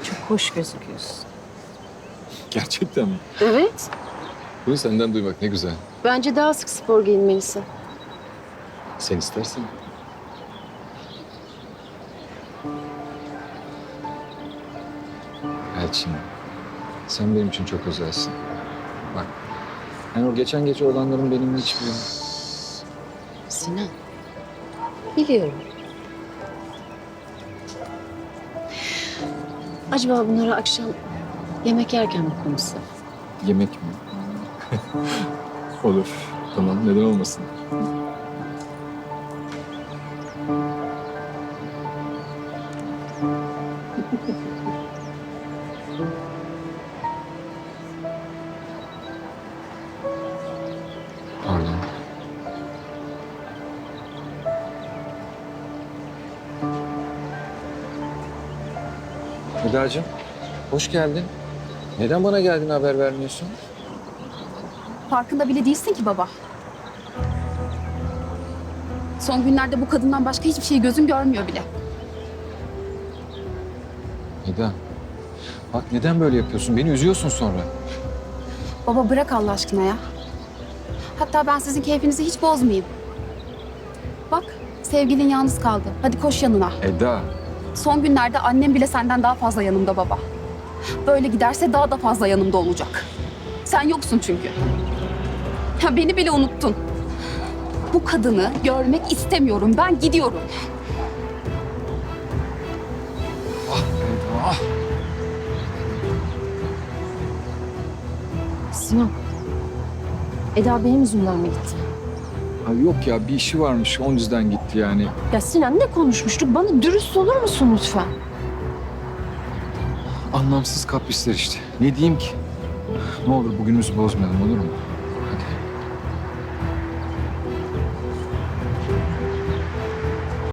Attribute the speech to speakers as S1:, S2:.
S1: Çok hoş gözüküyorsun.
S2: Gerçekten mi?
S3: Evet.
S2: Bunu senden duymak ne güzel.
S3: Bence daha sık spor giyinmelisin.
S2: Sen istersen. Elçin, sen benim için çok özelsin. Bak, yani o geçen gece olanların benim hiçbir...
S3: Sinan. Biliyorum. Acaba bunları akşam yemek yerken mi konuşsak?
S2: Yemek mi? Olur. Tamam, neden olmasın? Pardon. Eda'cığım, hoş geldin. Neden bana geldiğini haber vermiyorsun?
S4: Farkında bile değilsin ki baba. Son günlerde bu kadından başka hiçbir şeyi gözün görmüyor bile.
S2: Eda, bak neden böyle yapıyorsun? Beni üzüyorsun sonra.
S4: Baba bırak Allah aşkına ya. Hatta ben sizin keyfinizi hiç bozmayayım. Bak sevgilin yalnız kaldı. Hadi koş yanına.
S2: Eda,
S4: Son günlerde annem bile senden daha fazla yanımda baba. Böyle giderse daha da fazla yanımda olacak. Sen yoksun çünkü. Ya beni bile unuttun. Bu kadını görmek istemiyorum. Ben gidiyorum.
S2: Eda.
S3: Sinan. Eda benim yüzümden mi gitti?
S2: Ay yok ya, bir işi varmış, o yüzden gitti yani.
S3: Ya Sinan ne konuşmuştuk? Bana dürüst olur musun lütfen?
S2: Anlamsız kaprisler işte. Ne diyeyim ki? Ne olur bugünümüzü bozmayalım, olur mu?